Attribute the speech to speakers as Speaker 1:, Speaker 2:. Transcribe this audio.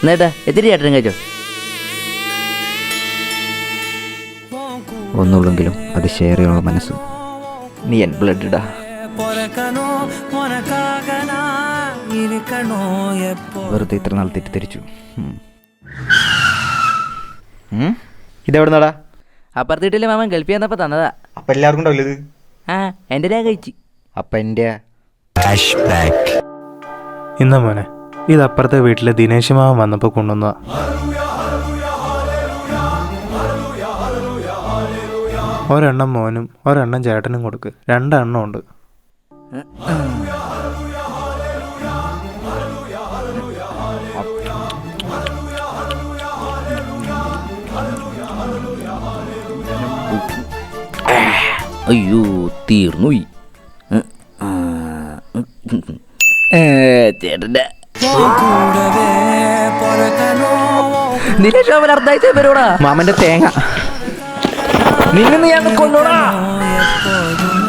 Speaker 1: എന്നേട്ടാ എത്തിരി ചേട്ടനും കഴിച്ചോ.
Speaker 2: ഒന്നുള്ളെങ്കിലും അത് ഷെയർ ചെയ്യാനുള്ള മനസ്സ്. നീ എൻ ബ്ലഡ് ഇടാ. വെറുതെ ഇത്ര നാൾ തെറ്റിദ്ധരിച്ചു. ഇതെവിടെ നടാ?
Speaker 1: അപ്പുറത്ത് വീട്ടിലെ മാമൻ ഗൾഫിൽ വന്നപ്പോൾ തന്നതാ.
Speaker 2: അപ്പം എല്ലാവർക്കും ഉണ്ടാവില്ല ഇത്?
Speaker 1: ആ എൻ്റെ ഞാൻ കഴിച്ചു.
Speaker 2: അപ്പം എൻ്റെ
Speaker 3: ഇന്ന മോനെ, ഇത് അപ്പുറത്തെ വീട്ടിലെ ദിനേശ് മാമൻ വന്നപ്പോൾ കൊണ്ടുവന്നതാ. ഒരെണ്ണം മോനും ഒരെണ്ണം ചേട്ടനും കൊടുക്ക്. 2 എണ്ണം ഉണ്ട്.
Speaker 1: അയ്യോ തീർന്നു. ചേട്ടൻ്റെ ദിനേശ് മാമൻ അർദ്ധാഴ്ച പേരോടാ
Speaker 2: മാമൻ്റെ തേങ്ങ
Speaker 1: നിന്നെ ഞാൻ കൊണ്ടോടാ.